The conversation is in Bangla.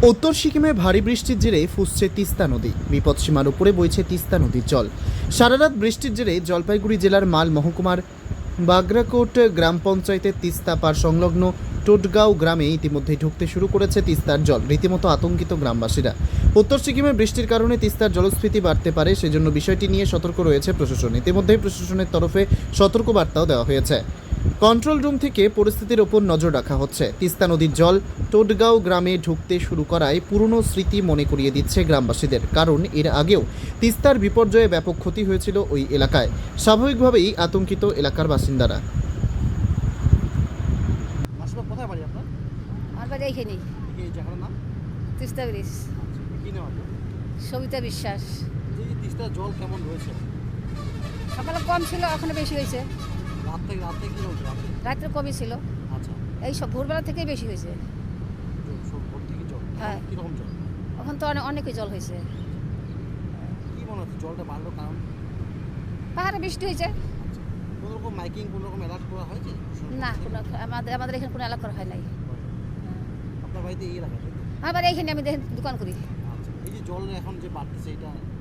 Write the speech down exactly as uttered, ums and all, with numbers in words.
উত্তর সিকিমে ভারী বৃষ্টির জেরে ফুসছে তিস্তা নদী। বিপদসীমার উপরে বইছে তিস্তা নদীর জল। সারারাত বৃষ্টির জেরে জলপাইগুড়ি জেলার মাল মহকুমার বাগরাকোট গ্রাম পঞ্চায়েতের তিস্তা পার সংলগ্ন টোটগাঁও গ্রামে ইতিমধ্যেই ঢুকতে শুরু করেছে তিস্তার জল। রীতিমতো আতঙ্কিত গ্রামবাসীরা। উত্তর সিকিমে বৃষ্টির কারণে তিস্তার জলস্ফীতি বাড়তে পারে, সেজন্য বিষয়টি নিয়ে সতর্ক রয়েছে প্রশাসন। ইতিমধ্যেই প্রশাসনের তরফে সতর্কবার্তাও দেওয়া হয়েছে। কন্ট্রোল রুম থেকে পরিস্থিতির ওপর নজর রাখা হচ্ছে। তিস্তা নদীর জল টোটগাঁও গ্রামে ঢুকতে শুরু করায় পুরনো স্মৃতি মনে করিয়ে দিচ্ছে গ্রামবাসীদের। কারণ এর আগেও তিস্তার বিপর্যয়ে ব্যাপক ক্ষতি হয়েছিল ওই এলাকায়। স্বাভাবিকভাবেই আতঙ্কিত এলাকার বাসিন্দারা। আসলে কোথায় বাড়ি আপনার? আমার বাড়ি এইখানেই, এই জায়গাটার নাম? তিস্তা ব্রিজ। কি নাম আপনার? সবিতা বিশ্বাস। এই যে তিস্তার জল কেমন রয়েছে? সকালে কম ছিল, এখন বেশি হয়েছে। রাত থেকে রাত থেকে কি হচ্ছে রাতে? রাত্রে কমই ছিল, আচ্ছা, এই সব ভোরবেলা থেকেই বেশি হয়েছে। জল সব ভোর থেকে জল। হ্যাঁ। কিরকম জল? এখন তো অনেক অনেকই জল হয়েছে। কি মনে হচ্ছে জলটা বাড়লো কারণ? পাহাড়ে বৃষ্টি হয়েছে। আচ্ছা, কোনো রকম মাইকিং কোনো রকম অ্যালার্ট করা হয়েছে? না, কোনো আমাদের আমাদের এখানে কোনো এলাকা করা হয় নাই। আপনার বাড়িতে এই এলাকা? আমার বাড়ি এইখানে, আমি দেখেন দোকান করি। আচ্ছা, এই যে জল এখন যে বাড়তেছে এটা